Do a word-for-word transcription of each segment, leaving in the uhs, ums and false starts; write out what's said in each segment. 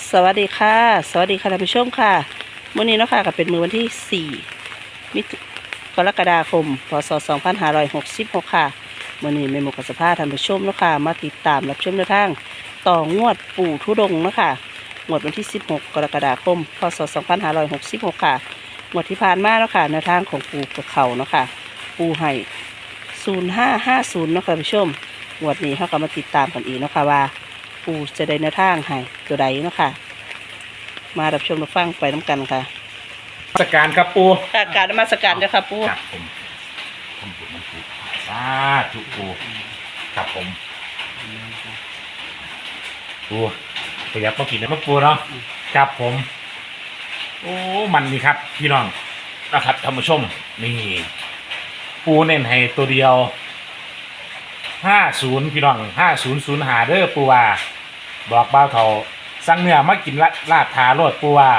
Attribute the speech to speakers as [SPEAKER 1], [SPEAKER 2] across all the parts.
[SPEAKER 1] สวัสดีค่ะสวัสดีค่ะท่านผู้ชมค่ะมื้อนี้เนาะค่ะก็เป็นมื้อวันที่สี่มิถุกรกฎาคมพศสองพันห้าร้อยหกสิบหกค่ะมื้อนี้แม่หมูกับสภาท่านผู้ชมเนาะค่ะมาติดตามรับชมแนวทางต่องวดปู่ธุดงค์เนาะค่ะงวดวันที่สิบหกกรกฎาคมพศสองพันห้าร้อยหกสิบหกค่ะงวดที่ผ่านมาเนาะค่ะแนวทางของปู่กับเขาเนาะค่ะปู่ให้ศูนย์ห้าห้าศูนย์เนาะค่ะท่านผู้ชมงวดนี้เขาก็มาติดตามกันอีกเนาะค่ะว่าปู่จะได้แนวทางให้ตัวใดเนาะค่ะมารับชมรับฟังไปน้ำกันค่ะ
[SPEAKER 2] สการครับปู
[SPEAKER 1] ค่ะการนมัสการเจ้าค่ะปู่
[SPEAKER 2] ครับผมทำบุญมันปูสาธุปูครับผมปูประหยัดต้องกินนะปูเนาะครับผมโอ้มันนี่ครับพี่น้องนะครับท่านผู้ชมนี่ปูเน้นให้ตัวเดียวห้าศูนย์พี่น้องห้าศูนย์ศูนย์หาเด้อปูว่าบอกบ้าวเขาสั่งเนื้อมากินละลาดทาโรดปูว่า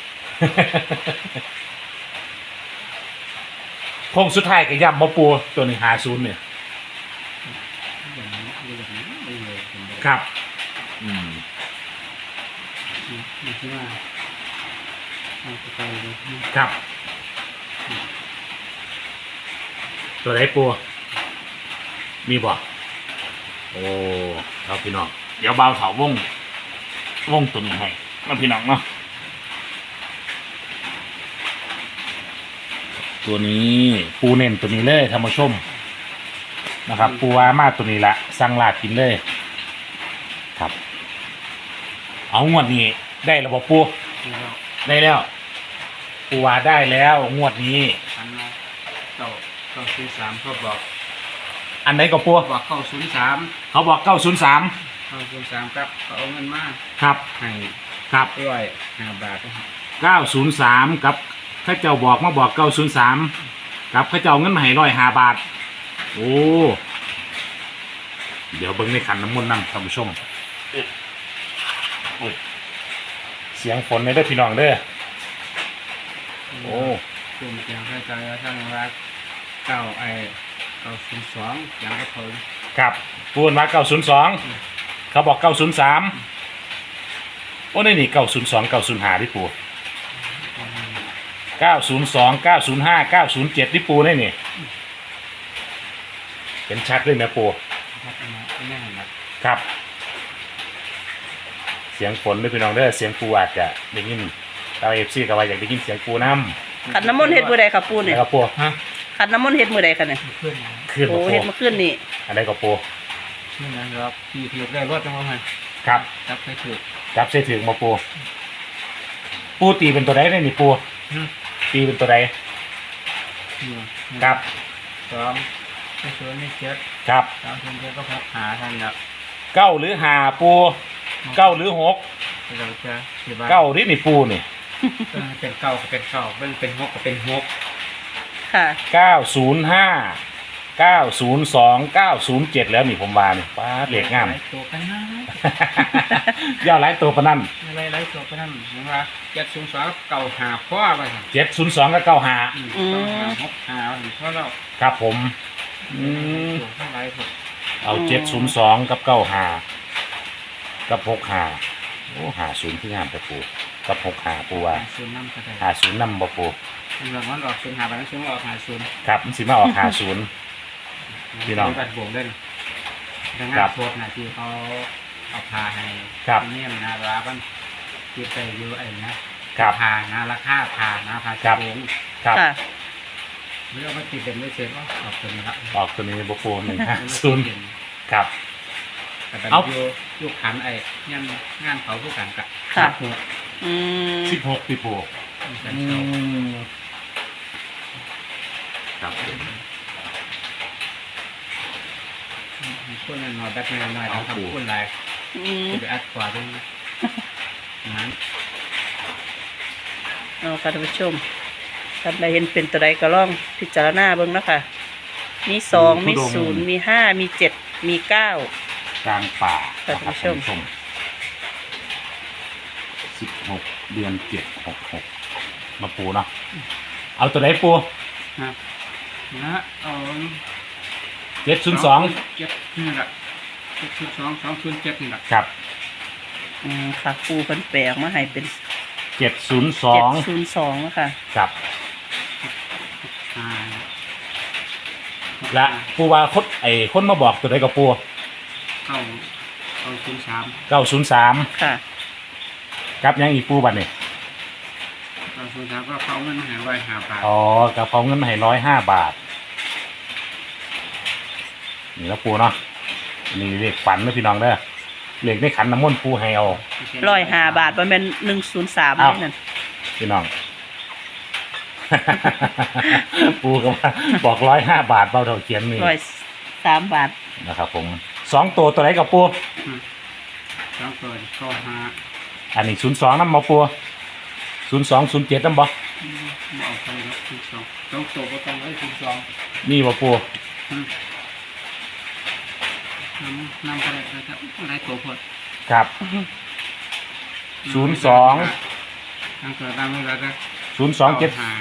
[SPEAKER 2] โค้งสุดท้ายก็ย่ำมาปูตัวหนึ่งหาศูนย์เนี่ยครับอืมครับตัวไหนปูมีบ่โอ้ครับพี่น้องเดี๋ยวเบาเถาวงวงตัวนี้ให้มาพี่น้องเนาะตัวนี้ปูเน้นตัวนี้เลยท่านผู้ชมนะครับปูว่ามาตัวนี้ละสั่งลาดกินเลยครับเอางวดนี้ได้ระบบปูได้แล้วปูว่าได้แล้วงวดนี้
[SPEAKER 3] อันนะเก้าเก้าศูนย์สามเขาบอก
[SPEAKER 2] อันไหนก็ปู
[SPEAKER 3] บอกเก้าศูนย์สาม
[SPEAKER 2] เขาบอกเก้าศูนย์สาม
[SPEAKER 3] เก้าศูนย์สามครับเขาเอาเงินมา
[SPEAKER 2] ครับ
[SPEAKER 3] ให้
[SPEAKER 2] ครับ
[SPEAKER 3] ด้วยห้าบาทนะครับ
[SPEAKER 2] เก้าศูนย์สามกับข้าเจ้าบอกมาบอกเก้าศูนย์สามกับข้าเจ้าเงินมาให้ร้อยห้าบาทโอ้เดี๋ยวเบิ้งในขันน้ำมนต์นั่งท่านผู้ชมเสียงฝนในเด้อพี่น้องเด้อโอ้
[SPEAKER 3] กลุ่มเสียงใครใจท่านรักเก้าไอเก้าศูนย์สองอย่างก็พอ
[SPEAKER 2] ครับพูดมาเก้าศูนย์สองเขาบอกเก้าศูนย์สามโอ้นี่นี่เก้าศูนย์สองเก้าศูนย์ห้าที่ปูเก้าศูนย์สองเก้าศูนย์ห้าเก้าศูนย์เจ็ดที่ปูนี่นี่เป็นชัดเลยนะปู
[SPEAKER 3] ครับแน่นอน
[SPEAKER 2] ครับ เสียงฝนด้วยพี่น้องเด้อเสียงปูอาจจะได้ยินเราเอฟซีกับว่าอยากได้ยินเสียงปูน้ำ
[SPEAKER 1] ขันน้ำมนต์เฮ็ดมือใดค่ะปู่เนี่ย
[SPEAKER 2] แล้วก็ปู
[SPEAKER 3] ฮะ
[SPEAKER 1] ขันน้ำมนต์เฮ็ดมือใดค่ะเนี่ย
[SPEAKER 3] เพื่อนนะ
[SPEAKER 2] ขึ้น
[SPEAKER 1] โอ้
[SPEAKER 2] มาปู
[SPEAKER 1] เฮ็ดมาขึ้นนี่
[SPEAKER 2] อะไรก็ปู
[SPEAKER 3] เพื่อนนะครับที่ถือได้รถจังหวะไหน
[SPEAKER 2] ครับ
[SPEAKER 3] จับไปถือ
[SPEAKER 2] จับเสถึงมาปูปูตีเป็นตัวใดได้นี่ปูตีเป็นตัวใดครับ
[SPEAKER 3] สองไม่ชวนไม่เช็ด
[SPEAKER 2] ครับ
[SPEAKER 3] สามคนเช็ดก็พักหาท่านครับ
[SPEAKER 2] เก้าหรือหาปูเก้าหรือหก
[SPEAKER 3] เราจะที่บ้าน
[SPEAKER 2] เก้าที่นี่ปูนี่
[SPEAKER 3] เออเป็นเก้าก็เป็นเก้าเป็นเป็นหกก็เป็นหก
[SPEAKER 1] ค่ะ
[SPEAKER 2] เก้าศูนย์ห้าเก้าศูนย์สองเก้าศูนย์เจ็ดแล้วนี่ผมว่านี่ป้าดเหล็กงาม
[SPEAKER 3] หลายตัวกันนะ
[SPEAKER 2] ย่อหลายตัวปะนั่น
[SPEAKER 3] อะไรหลายตัวกันนั่นเห็นว่าเจ็ดศูนย์สองเก่าหาพ่อไปครับ
[SPEAKER 2] เจ็ดศูนย์สองกับเก้าหา
[SPEAKER 3] อืมเก้าหาหกหาเพราะเรา
[SPEAKER 2] ครับผมอืม
[SPEAKER 3] ตัวเท่าไรถูก
[SPEAKER 2] เอาเจ็ดศูนย์สองกับเก้าหากับหกหาโอ้หาศูนย์ที่งามแต่ปูกับหกหาปูว่า
[SPEAKER 3] หาศูนย์น้ำก็ได้
[SPEAKER 2] หาศูนย์นำบ่ปู
[SPEAKER 3] เรื่องมันออกศูนย์หาไปแล้วศูนย์ออกหาศูนย์
[SPEAKER 2] ครับมันสิมาออกหาศูนย์ พี่น้อง
[SPEAKER 3] บัดบวกเล่นดัง
[SPEAKER 2] ครั
[SPEAKER 3] งาน
[SPEAKER 2] บ
[SPEAKER 3] โคตรนะที่เขาเอาพาให้
[SPEAKER 2] ครับ
[SPEAKER 3] เนี่ยนะร้านมันที่ไปอยู่ไอ้นะครับ พานะราคาพานะพา
[SPEAKER 2] ครับ
[SPEAKER 3] โง
[SPEAKER 2] ครับ
[SPEAKER 1] ค่ะ
[SPEAKER 3] เรื่องมันติดเป็นไม่เสร็จก็ออกตัวนี้ละ
[SPEAKER 2] ออกตัวนี้บ่ปูหนึ่งห้าศูนย์ครับ
[SPEAKER 3] แต่เป็น
[SPEAKER 2] เอา
[SPEAKER 3] อยู่อยู่ขันไอ้งานงานเขาผู้กันกะ
[SPEAKER 1] ค่ะ
[SPEAKER 3] หัว
[SPEAKER 1] อืม
[SPEAKER 2] สิบหกปีปู
[SPEAKER 3] กัน
[SPEAKER 2] อื
[SPEAKER 3] เขา
[SPEAKER 2] มครับ
[SPEAKER 3] พูดหน่อยๆแบบหน่อยๆเราทำพูดอะไร
[SPEAKER 1] อืม
[SPEAKER 3] จะไปอัดกว่าด้วยนั้น
[SPEAKER 1] เอาค่ะท่านผู้ชมท่านใดเห็นเป็นตัวใดก็ลองพิจารณาเบิ่งเนาะค่ะมีสองมีศูนย์มีห้ามีเจ็ดมีเก้าก
[SPEAKER 2] ลางป่า
[SPEAKER 1] ท่านผู้ชม
[SPEAKER 2] สิบหกเดือนเจ็ดหกหกมาปูเนาะเอาตัวไหนปู
[SPEAKER 3] นะนะเอา
[SPEAKER 2] เจ็ดศูนย์สอง
[SPEAKER 3] เจ็ดนี่แหละเจ็ดศูนย์สองสองศูนย์เจ็ดนี่แหละ
[SPEAKER 2] ครับ
[SPEAKER 1] อืมค่ะปูเพิ่นแปลออกมาให้เป็น
[SPEAKER 2] เจ็ดศูนย์สอ
[SPEAKER 1] เจ็ด
[SPEAKER 2] ง
[SPEAKER 1] ศูนย์สองนะคะ
[SPEAKER 2] ครับ
[SPEAKER 3] ห้า
[SPEAKER 2] และปูว่าคนไอ้คนมาบอกตัวใดกับปู
[SPEAKER 3] เก้าเก้าศูนย์สาม
[SPEAKER 2] เก้าศูนย์สาม
[SPEAKER 1] ค่ะ
[SPEAKER 2] ครับยังอีกปูบัดนี่
[SPEAKER 3] เก้าศูนย์สามก็เขาเงินมาใหายไว้หาบาท
[SPEAKER 2] อ๋อกระเพราเงินมาให้ร้อยห้าบาทนี่แล้วปูเนาะนี่เลขฝันนะพี่น้องเด้อเลขในขันน้ำมนต์ปูให้เอา
[SPEAKER 1] ร้อยห้าบาทประมาณหนึ่งศูนย์สาม
[SPEAKER 2] อ้าว
[SPEAKER 1] นี่นั่น
[SPEAKER 2] พี่น้อง ปูก็ว่าบอกร้อยห้าบาทเบาเท่าเขียนนี่
[SPEAKER 1] ร้อยสามบาท
[SPEAKER 2] นะครับผมสองตัวตัวไหนกับปู
[SPEAKER 3] สองตัวเก้าห้า
[SPEAKER 2] อันนี้ศูนย์สองน้ำมาปูศูนย์สองศูนย์เจ็ดน้ำบ่
[SPEAKER 3] เอาไปแล้วศูนย์สองสองตัวก็ต้องไว้ศูนย์สอง
[SPEAKER 2] นี่บ่ปู
[SPEAKER 3] น้ำน้ำอะไรนะครับอะไรตัวพอด
[SPEAKER 2] ครับศูนย์สอง
[SPEAKER 3] น้ำตัวน้ำอะไรก็
[SPEAKER 2] ศูนย์สองเจ็ด
[SPEAKER 3] หา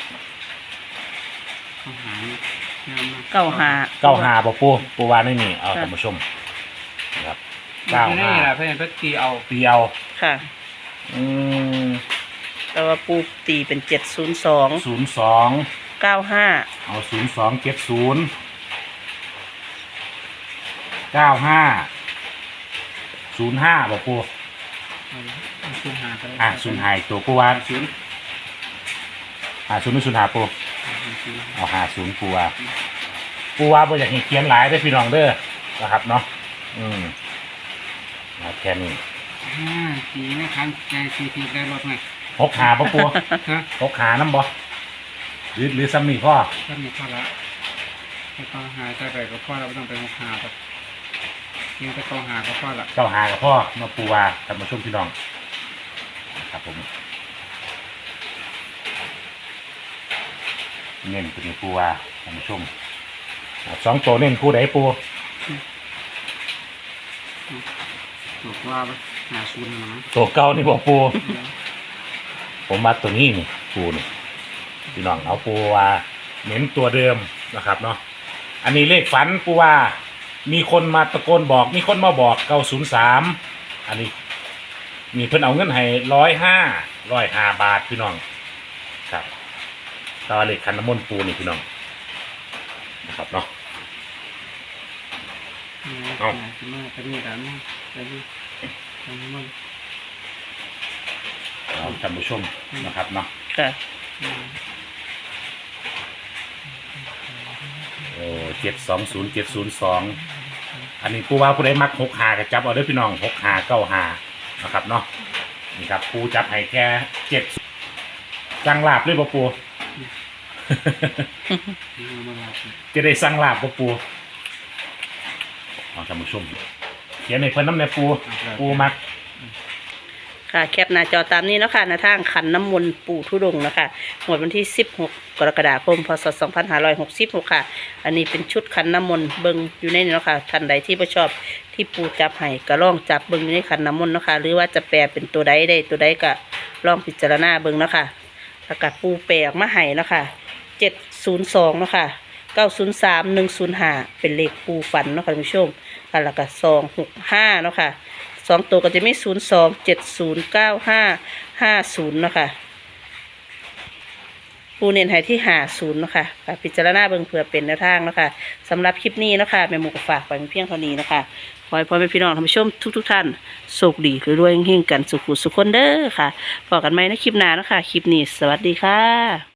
[SPEAKER 3] เข้าหาน้ำ
[SPEAKER 1] เก้าห้า
[SPEAKER 2] เก้าห้าบ่ปูปูวานไม่มีเอาท่านผู้ชมนะครับ
[SPEAKER 3] เก้า
[SPEAKER 2] เก้า
[SPEAKER 3] ห้า
[SPEAKER 2] ห้า
[SPEAKER 3] เพื่อนเพื่อตีเอา
[SPEAKER 2] ตีเอา
[SPEAKER 1] ค่ะ
[SPEAKER 2] อืม
[SPEAKER 1] แต่ว่าปูตีเป็นเจ็ดศูนย์สอง
[SPEAKER 2] ศูนย์สอง
[SPEAKER 1] เก้าห้า
[SPEAKER 2] เอาศูนย์สองเจ็ดศูนย์เก้าห้าศูนย์ห้าบ่ปู
[SPEAKER 3] ศูนย์หาก็ได้
[SPEAKER 2] อ่ะศูนย์หายตัวปูวาน
[SPEAKER 3] ศูนย์
[SPEAKER 2] หาศูนย์ไม่ศูนย์หาปู
[SPEAKER 3] ศูนย์
[SPEAKER 2] เอาหาศูนย์ปูวาปูวาบ่อยากให้เขียนหลายได้อพี่น้องเด้อนะครับเนาะอืมเอาแค่นี้
[SPEAKER 3] ห้าสี่ไม่คันใจสี่ทีได้รถไหม
[SPEAKER 2] หกหาบ่ปู
[SPEAKER 3] ฮะ
[SPEAKER 2] หกหาน้ำบ่หรือหรือซ้ำนี่พ่อ
[SPEAKER 3] ถ้ามีพอละถ้าต้องหาใจไปก็พอเราไม่ต้องไปหกหาแบบยังจะต้องหาก็พอละ
[SPEAKER 2] เจ้าหากับพ่อมาปูวาท่านผู้ชมพี่น้องครับผมเน้นตัวนี้ปูวาท่านผู้ชมอ่ะสองตัวเน้นคู่ใดปู
[SPEAKER 3] ถูกว่าหาศูนย์นะมั้ง
[SPEAKER 2] ตัวเก่านี่บอกปู ผมมาตัวนี้นี่ปูนี่พี่น้องเอาปูว่าเน้นตัวเดิมนะครับเนาะอันนี้เลขฝันปูว่ามีคนมาตะโกนบอกมีคนมาบอกเก้าศูนย์สามอันนี้มีเพิ่นเอาเงินให้ร้อยห้าร้อยห้าบาทพี่น้องครับตาเลขคันน้ำมนต์ปูนี่พี่น้องนะครับเนาะ
[SPEAKER 3] เอาขึ้นมาไปนี่กันนะไปนี่ไปนี่มัน
[SPEAKER 2] เอาท่านผู้ชมนะครับเนาะ
[SPEAKER 1] ค่ะ
[SPEAKER 2] โอ้เจ็ดสองศูนย์เจ็ดศูนย์สองอันนี้ปูว่าผู้ใดมักหกหาก็จับเอาเด้อพี่น้องหกหาเก้าหานะครับเนาะนี่ครับปูจับให้แค่เจ็ดสั่งลาบเลยบ่ปู
[SPEAKER 3] เอามาลาสิ
[SPEAKER 2] จะได้สั่งลาบบ่ปูเอาท่านผู้ชมเขียนให้เพิ่นน้ำในปูปูมัก
[SPEAKER 1] ค่ะแคปหน้าจอตามนี้เนาะค่ะหน้าทางขันน้ำมนต์ปู่ทุดงค์นะคะงวดวันที่สิบหกกรกฎาคมพศสองพันห้าร้อยหกสิบหกค่ะ อันนี้เป็นชุดขันน้ำมนต์เบิงอยู่ในนี้เนาะค่ะท่านใดที่บ่ชอบที่ปู่จับให้ก็ลองจับเบิงอยู่ในขันน้ำมนต์เนาะค่ะหรือว่าจะแปลเป็นตัวใดได้ตัวใดก็ลองพิจารณาเบิงเนาะค่ะแล้วก็ปู่แปลออกมาให้เนาะค่ะเจ็ดศูนย์สองเนาะค่ะเก้าศูนย์สามหนึ่งศูนย์ห้าเป็นเลขปู่ฝันเนาะค่ะท่านผู้ชมค่ะแล้วก็สองหกห้าเนาะค่ะสองตัวก็จะมีศูนย์สองเจ็ดศูนย์เก้าห้าห้าศูนย์เนาะค่ะปูเน้นให้ที่หาศูนย์เนาะค่ะค่ะพิจารณาเบิ่งเผื่อเป็นแนวทางเนาะค่ะสำหรับคลิปนี้เนาะค่ะแม่หมูก็ฝากไปเพียงเท่านี้เนาะค่ะขอให้พ่อแม่พี่น้องท่านผู้ชมทุกทุกๆท่านโชคดีรวยๆเฮงๆกันสุขุสุขคนเด้อค่ะพบกันใหม่ในคลิปหน้าเนาะค่ะคลิปนี้สวัสดีค่ะ